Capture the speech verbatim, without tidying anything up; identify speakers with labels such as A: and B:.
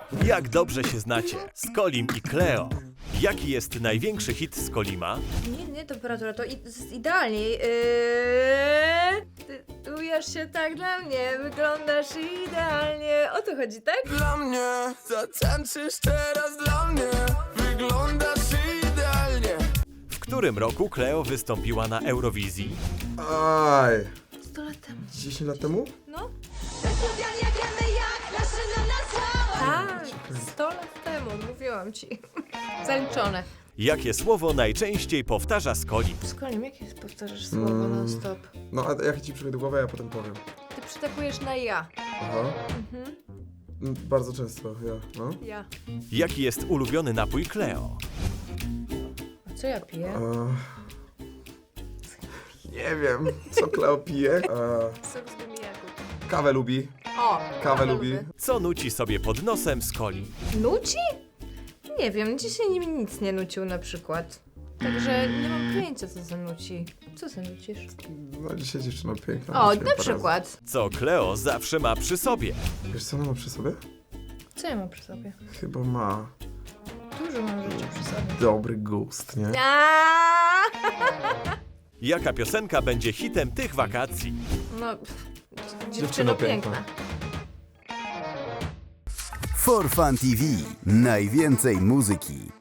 A: Jak dobrze się znacie, Skolim i Cleo. Jaki jest największy hit Skolima?
B: Nie, nie, temperatura, to i, z- idealnie. Yy, ty ujesz się tak dla mnie, wyglądasz idealnie. O to chodzi, tak?
C: Dla mnie, zatańczysz teraz dla mnie. Wyglądasz idealnie.
A: W którym roku Cleo wystąpiła na Eurowizji?
D: Aj.
B: sto lat temu.
D: dziesięć lat temu?
B: No? Tak, sto lat temu, mówiłam ci. Zaliczone.
A: Jakie słowo najczęściej powtarza Skolim?
B: Skolim, jakie powtarzasz słowo
D: Mm.
B: non stop?
D: No, a jak ci przyjdzie do głowy, ja potem powiem.
B: Ty przytakujesz na ja.
D: Aha.
B: Mhm.
D: Mm, Bardzo często, ja, no.
B: Ja.
A: Jaki jest ulubiony napój Cleo?
B: A co ja piję?
D: E... Nie wiem, co Kleo pije. E...
B: Sok z gumijaku.
D: Kawę lubi.
B: O!
D: Kawę lubi.
B: lubię.
A: Co nuci sobie pod nosem Skolim?
B: Nuci? Nie wiem, dzisiaj nim nic nie nucił na przykład. Także nie mam pojęcia, co za nuci. Co za nucisz?
D: No dzisiaj dziewczyna piękna.
B: O,
D: nuciłem
B: na
D: parę
B: przykład.
A: Co Cleo zawsze ma przy sobie?
D: razy. Wiesz co ona ma przy sobie?
B: Co ja mam przy sobie?
D: Chyba ma
B: Dużo mam rzeczy przy sobie.
D: dobry gust, nie?
B: Aaaa!
A: Jaka piosenka będzie hitem tych wakacji?
B: No, pff, dziewczyno
D: Dziewczyno
B: piękna.
D: piękna.
E: For Fun T V. Najwięcej muzyki.